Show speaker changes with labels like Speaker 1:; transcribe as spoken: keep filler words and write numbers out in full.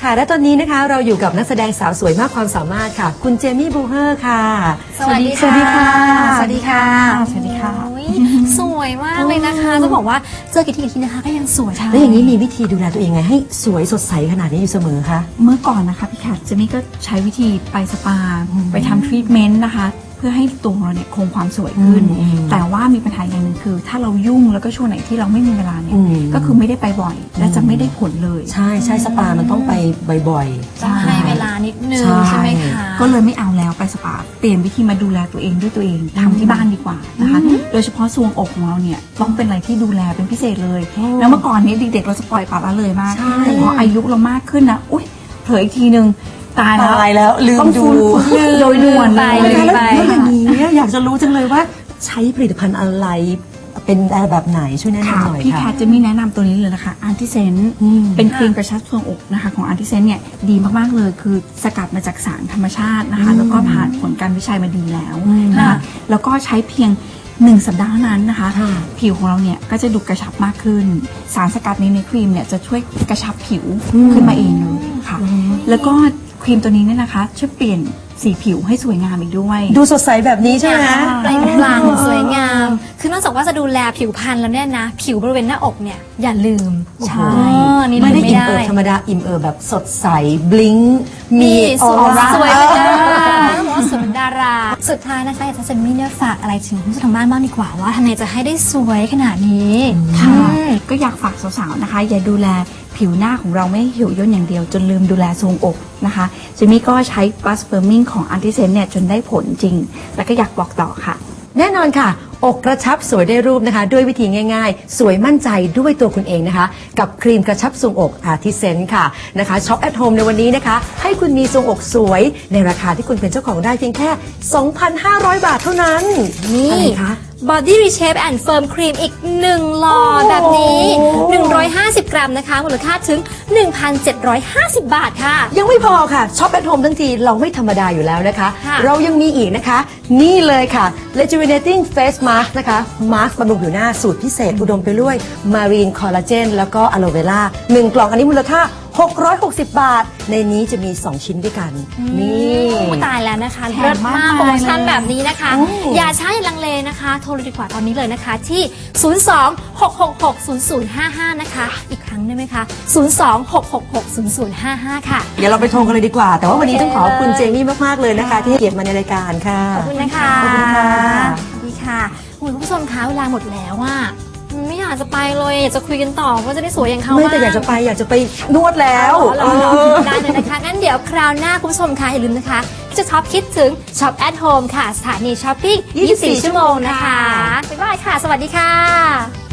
Speaker 1: ค่ะและตอนนี้นะคะเราอยู่กับนักแสดงสาวสวยมากความสามารถค่ะคุณเจมี่บูเฮอร์ค่ะ
Speaker 2: สวัสดีค่ะ
Speaker 1: สวัสดีค่ะ
Speaker 2: สวัสดีค่ะสวยมากเลยนะคะจะบอกว่าเจอกี่ทีกี่ทีนะคะก็ยังสวย
Speaker 1: แล้วอย่างนี้มีวิธีดูแลตัวเองไงให้สวยสดใสขนาดนี้อยู่เสมอคะ
Speaker 3: เมื่อก่อนนะคะพี่แคทเจมี่ก็ใช้วิธีไปสปาไปทำทรีทเมนต์นะคะเพื่อให้ตัวเราเนี่ยคงความสวยขึ้นแต่ว่ามีปัญหาอย่างหนึ่งคือถ้าเรายุ่งแล้วก็ช่วงไหนที่เราไม่มีเวลาเนี่ยก็คือไม่ได้ไปบ่อยและจะไม่ได้ผลเลย
Speaker 1: ใช่ใช่สปามันต้องไปบ่อย
Speaker 2: ๆต้องให้เวลานิดนึงใช่ไหมคะ
Speaker 3: ก็เลยไม่เอาแล้วไปสปาเปลี่ยนวิธีมาดูแลตัวเองด้วยตัวเองทำที่บ้านดีกว่านะคะโดยเฉพาะทรวงอกของเราเนี่ยต้องเป็นอะไรที่ดูแลเป็นพิเศษเลยแล้วเมื่อก่อนนี้เด็กๆเราจะปล่อยปละละเลยมากแต่พออายุเรามากขึ้นนะอุ้ยเผลออีกทีนึงตายแล้ว
Speaker 1: ตายแล้วลืมดู
Speaker 3: โดยด่วนเลย
Speaker 1: แล้วอย่างนี้อยากจะรู้จังเลยว่าใช้ผลิตภัณฑ์อะไรเป็นแบบไหนช่วยแนะนำหน่อยค่ะ
Speaker 3: พี่แคทจะมีแนะนำตัวนี้เลยนะคะอันติเซนเป็นครีมกระชับทรวงอกนะคะของอันติเซนเนี่ยดีมากๆเลยคือสกัดมาจากสารธรรมชาตินะคะแล้วก็ผ่านผลการวิจัยมาดีแล้วนะคะแล้วก็ใช้เพียงหนึ่งสัปดาห์นั้นนะคะผิวของเราเนี่ยก็จะดูกระชับมากขึ้นสารสกัดนี้ในครีมเนี่ยจะช่วยกระชับผิวขึ้นมาเองเลยค่ะแล้วก็ครีมตัวนี้เนี่ยนะคะช่วยเปลี่ยนสีผิวให้สวยงามอีกด้วย
Speaker 1: ดูสดใสแบบนี้ใช่ไหม
Speaker 2: เปล่งปลั่งสวยงามคือนอกจากว่าจะดูแลผิวพรรณแล้วเนี่ยนะผิวบริเวณหน้าอกเนี่ยอย่าลืม
Speaker 1: ใช่ไม่ได้อิ่มเอิบธรรมดาอิ่มเอิบแบบสดใสบลิง
Speaker 2: มีออร่าสวยเป็นดาราสวยเป็นดาราสุดท้ายนะคะอยากจะเซนมี่เนี่ยฝากอะไรถึงผู้ชมทางบ้านบ้างดีกว่าว่าทำไงจะให้ได้สวยขนาดนี้
Speaker 3: ค่ะก็อยากฝากสาวๆนะคะอย่าดูแลผิวหน้าของเราไม่เหี่ยวย่นอย่างเดียวจนลืมดูแลทรวงอกนะคะเจมี่ก็ใช้บัสเฟอร์มิงของอันติเซนเนี่ยจนได้ผลจริงแล้วก็อยากบอกต่อค่ะ
Speaker 1: แน่นอนค่ะอกกระชับสวยได้รูปนะคะด้วยวิธีง่ายๆสวยมั่นใจด้วยตัวคุณเองนะคะกับครีมกระชับทรวงอกอาร์ติเซนค่ะนะคะช็อปแอทโฮมในวันนี้นะคะให้คุณมีทรวงอกสวยในราคาที่คุณเป็นเจ้าของได้เพียงแค่ สองพันห้าร้อย บาทเท่านั้น
Speaker 2: นี่อะไรคะBody Reshape and Firm Cream อีกหนึ่งหลอดแบบนี้หนึ่งร้อยห้าสิบกรัมนะคะมูลค่าถึง หนึ่งพันเจ็ดร้อยห้าสิบ บาทค่ะ
Speaker 1: ยังไม่พอค่ะช็อปแอทโฮมทั้งทีเราไม่ธรรมดาอยู่แล้วนะคะเรายังมีอีกนะคะนี่เลยค่ะ Rejuvenating Face Mask นะคะมาสก์บำรุงผิวหน้าสูตรพิเศษอุดมไปด้วย Marine Collagen แล้วก็อะโลเวราหนึ่งกล่องอันนี้มูลค่าหกร้อยหกสิบบาทในนี้จะมีสองชิ้นด้วยกันนี่
Speaker 2: ตายแล้วนะคะเลิศมากโปรโมชั่นแบบนี้นะคะอย่าใช้ลังเลนะคะโทรเลยดีกว่าตอนนี้เลยนะคะที่ศูนย์ สอง หก หก หก ศูนย์ ศูนย์ ห้า ห้านะคะอีกครั้งได้ไหมคะศูนย์ สอง หก หก หก ศูนย์ ศูนย์ ห้า ห้าค่ะ
Speaker 1: เดี๋ยวเราไปโทรกันเลยดีกว่าแต่ว่าวันนี้ต้องขอบคุณเจมี่มากๆเลยนะคะที่ให้เกียรติมาในรายการค่ะ
Speaker 2: ขอบคุณนะคะ
Speaker 1: ขอบคุณค่ะ
Speaker 2: สวัสดีค่ะคุณผู้ชมคะเวลาหมดแล้วว่าไม่อยากจะไปเลยอยากจะคุยกันต่อว่าจะได้สวยอย่างเขา
Speaker 1: ไม่แต่อยากจะไปอยากจะไปนวดแล้ว
Speaker 2: ได้เลยนะคะงั้นเดี๋ยวคราวหน้าคุณผู้ชมคะอย่าลืมนะคะจะช็อปคิดถึงช็อปแอทโฮมค่ะสถานีช้อปปิ้งยี่สิบสี่ชั่วโมงนะคะบ๊ายบายค่ะสวัสดีค่ะ